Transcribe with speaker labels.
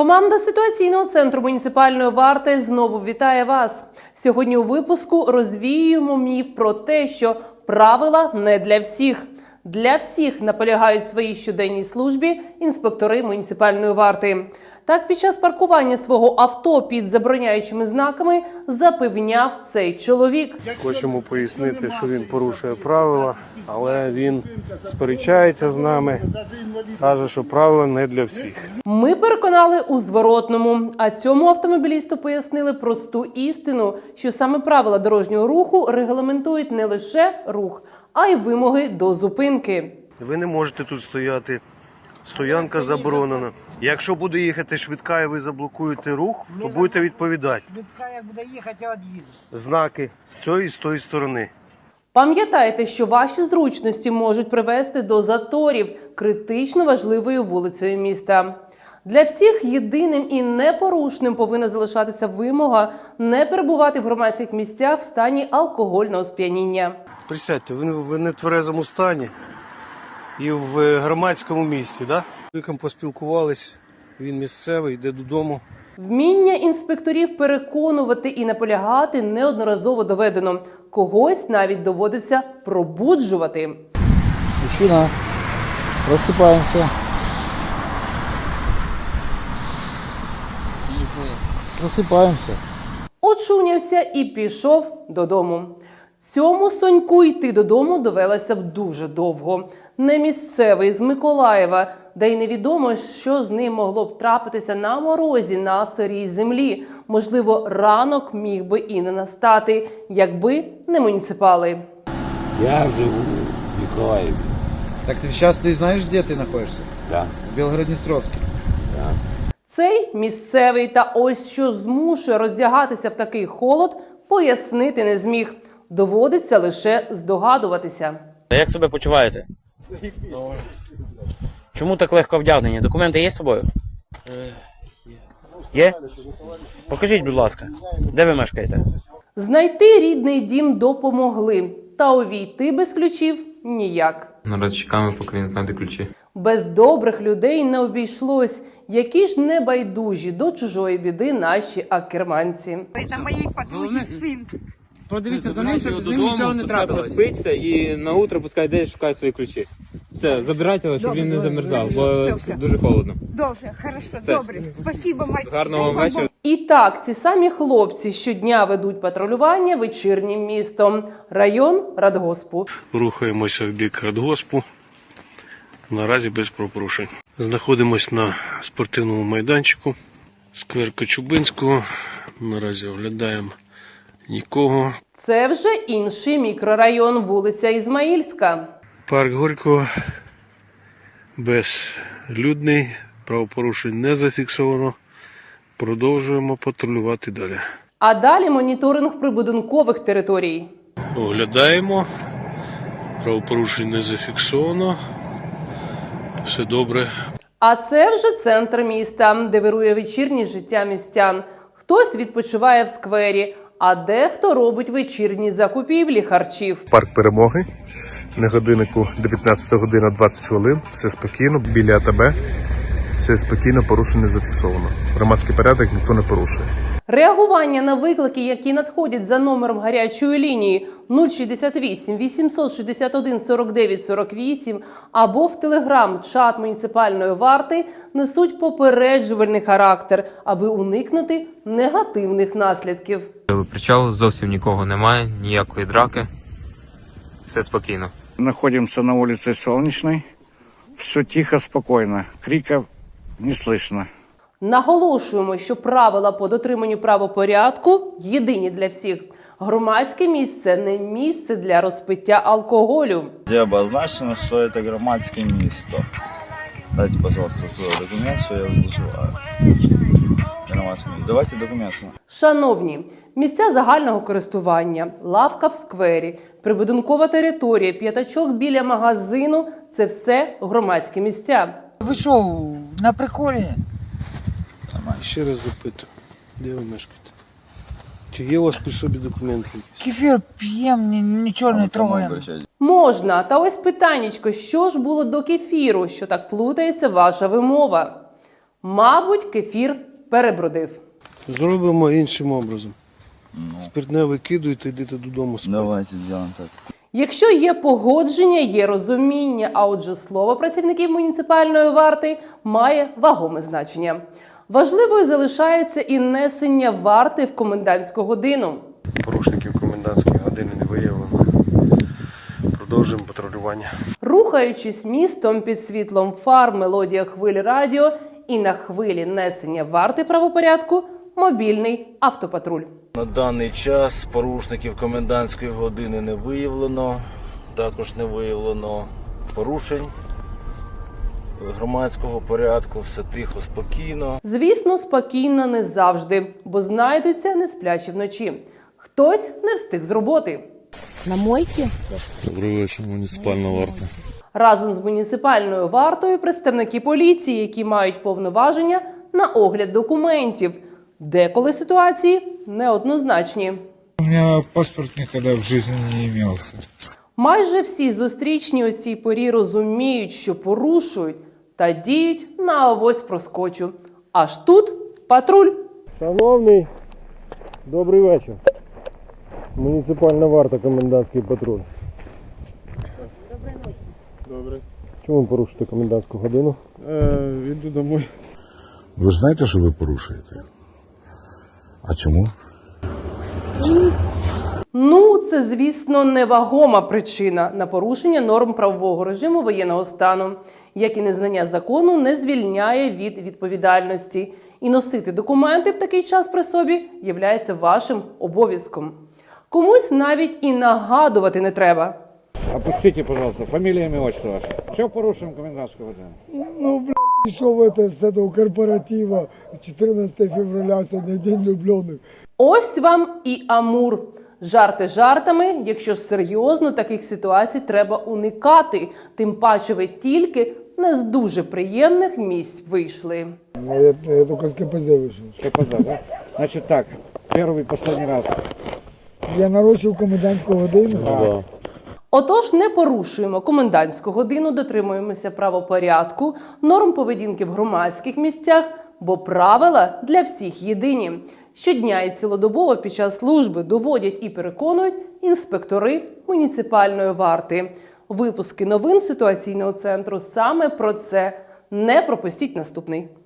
Speaker 1: Команда ситуаційного центру муніципальної варти знову вітає вас. Сьогодні у випуску розвіюємо міф про те, що правила не для всіх. Для всіх наполягають в своїй щоденній службі інспектори муніципальної варти. Так, під час паркування свого авто під забороняючими знаками запевняв цей чоловік.
Speaker 2: Хочемо пояснити, що він порушує правила, але він сперечається з нами, каже, що правила не для всіх.
Speaker 1: Ми переконали у зворотному, а цьому автомобілісту пояснили просту істину, що саме правила дорожнього руху регламентують не лише рух, а й вимоги до зупинки.
Speaker 2: Ви не можете тут стояти, стоянка заборонена. Якщо буде їхати швидка і ви заблокуєте рух, то будете відповідати.
Speaker 3: Швидка як буде їхати, я від'їду.
Speaker 2: Знаки з цієї і з тої сторони.
Speaker 1: Пам'ятайте, що ваші зручності можуть привести до заторів критично важливою вулицею міста. Для всіх єдиним і непорушним повинна залишатися вимога не перебувати в громадських місцях в стані алкогольного сп'яніння.
Speaker 2: Присядьте, ви не в тверезому стані і в громадському місці, так? Чоловіком поспілкувались, він місцевий, йде додому.
Speaker 1: Вміння інспекторів переконувати і наполягати неодноразово доведено. Когось навіть доводиться пробуджувати.
Speaker 4: Мужчина, просыпаемся. Просыпаемся.
Speaker 1: Очунявся і пішов додому. Цьому Соньку йти додому довелося б дуже довго. Не місцевий, з Миколаєва, де й невідомо, що з ним могло б трапитися на морозі на сирій землі. Можливо, ранок міг би і не настати, якби не муніципали.
Speaker 5: Я живу в Николаеве.
Speaker 6: Так сейчас ты знаешь, где ты находишься?
Speaker 5: Да.
Speaker 6: В Белгороднестровске.
Speaker 5: Да.
Speaker 1: Цей місцевий та ось що змушує роздягатися в такий холод, пояснити не зміг. Доводиться лише здогадуватися.
Speaker 7: Як себе почуваєте? Чому так легко вдягнені? Документи є з собою? Є? Покажіть, будь ласка, де ви мешкаєте?
Speaker 1: Знайти рідний дім допомогли, та увійти без ключів – ніяк.
Speaker 8: Наразі чекаємо, поки він знайде ключі.
Speaker 1: Без добрих людей не обійшлось. Які ж небайдужі до чужої біди наші акерманці.
Speaker 3: Це моєї подруги син.
Speaker 9: Подивіться за ним, щоб з ним нічого не трапилось. Спиться і на утро пускай йде і шукає свої ключі. Все, забирайте його, щоб він не замерзав, бо дуже холодно.
Speaker 3: Добре, хорошо, добре. Спасибо, мальчик.
Speaker 9: Гарного вам вечора.
Speaker 1: І так, ці самі хлопці щодня ведуть патрулювання вечірнім містом. Район Радгоспу.
Speaker 2: Рухаємося в бік Радгоспу. Наразі без правопорушень. Знаходимось на спортивному майданчику. Сквер Кочубинського. Наразі оглядаємо нікого.
Speaker 1: Це вже інший мікрорайон, вулиця Ізмаїльська.
Speaker 2: Парк Горького безлюдний, правопорушень не зафіксовано. Продовжуємо патрулювати далі.
Speaker 1: А далі моніторинг прибудинкових територій.
Speaker 2: Оглядаємо, правопорушень не зафіксовано, все добре.
Speaker 1: А це вже центр міста, де вирує вечірнє життя містян. Хтось відпочиває в сквері, а дехто робить вечірні закупівлі харчів.
Speaker 10: Парк Перемоги, на годиннику 19 година 20 хвилин, все спокійно, біля АТБ, все спокійно, порушень не зафіксовано. Громадський порядок ніхто не порушує.
Speaker 1: Реагування на виклики, які надходять за номером гарячої лінії 068 861 49 48 або в телеграм-чат муніципальної варти, несуть попереджувальний характер, аби уникнути негативних наслідків.
Speaker 8: Причал, зовсім нікого немає, ніякої драки. Все спокійно.
Speaker 11: Находимся на улице Солнечной. Все тихо, спокойно. Криков не слышно.
Speaker 1: Наголошуємо, що правила по дотриманню правопорядку єдині для всіх. Громадське місце – не місце для розпиття алкоголю.
Speaker 12: Где обозначено, что это громадское место. Дайте, пожалуйста, свой документ, что я вызываю. Давайте документ.
Speaker 1: Шановні, місця загального користування, лавка в сквері, прибудинкова територія, п'ятачок біля магазину – це все громадські місця.
Speaker 3: Ви що, на приколі?
Speaker 2: Ще раз запитую, де ви мешкаєте? Чи є у вас при собі документи?
Speaker 3: Кефір п'ємо, нічого не трогаємо.
Speaker 1: Можна. Та ось питаннячко, що ж було до кефіру, що так плутається ваша вимова? Мабуть, кефір перебродив.
Speaker 2: Зробимо іншим образом. Спиртне викидуєте, йдете додому спати.
Speaker 12: Давайте сделаем так.
Speaker 1: Якщо є погодження, є розуміння, а отже слово працівників муніципальної варти має вагоме значення. Важливою залишається і несення варти в комендантську годину.
Speaker 10: Порушників комендантської години не виявлено. Продовжуємо патрулювання.
Speaker 1: Рухаючись містом під світлом фар, мелодія хвилі радіо і на хвилі несення варти правопорядку – мобільний автопатруль.
Speaker 12: На даний час порушників комендантської години не виявлено. Також не виявлено порушень громадського порядку. Все тихо, спокійно.
Speaker 1: Звісно, спокійно не завжди, бо знайдуться несплячі вночі. Хтось не встиг з роботи.
Speaker 3: На мойке?
Speaker 10: Добрий вечір, муніципальна варта.
Speaker 1: Разом з муніципальною вартою представники поліції, які мають повноваження на огляд документів. Деколи ситуації неоднозначні.
Speaker 6: У меня паспорт никогда в жизни не имелся.
Speaker 1: Майже всі зустрічні у цій порі розуміють, що порушують та діють на авось проскочу. Аж тут патруль.
Speaker 2: Шановний, добрий вечір. Муніципальна варта, комендантський патруль.
Speaker 10: Добре.
Speaker 2: Чому ви порушуєте комендантську годину?
Speaker 10: Іду домой.
Speaker 4: Ви ж знаєте, що ви порушуєте? А чому?
Speaker 1: Ну, це, звісно, невагома причина на порушення норм правового режиму воєнного стану, як і незнання закону не звільняє від відповідальності. І носити документи в такий час при собі являється вашим обов'язком. Комусь навіть і нагадувати не треба.
Speaker 11: Опустите, пожалуйста, фамилия, имя, отчество ваше. Что порушим комендантскую годину?
Speaker 4: Ну, блядь, пішов это с этого корпоратива 14 февраля, сьогодні День влюбленных.
Speaker 1: Ось вам і Амур. Жарти жартами, якщо ж серйозно, таких ситуацій треба уникати. Тим паче ви тільки не з дуже приємних місць вийшли.
Speaker 4: Я только с КПЗ вышел.
Speaker 11: КПЗ, да? Значит так, первый и последний раз.
Speaker 4: Я нарушив комендантську годину.
Speaker 1: Отож, не порушуємо комендантську годину, дотримуємося правопорядку, норм поведінки в громадських місцях, бо правила для всіх єдині. Щодня і цілодобово під час служби доводять і переконують інспектори муніципальної варти. Випуски новин ситуаційного центру саме про це. Не пропустіть наступний.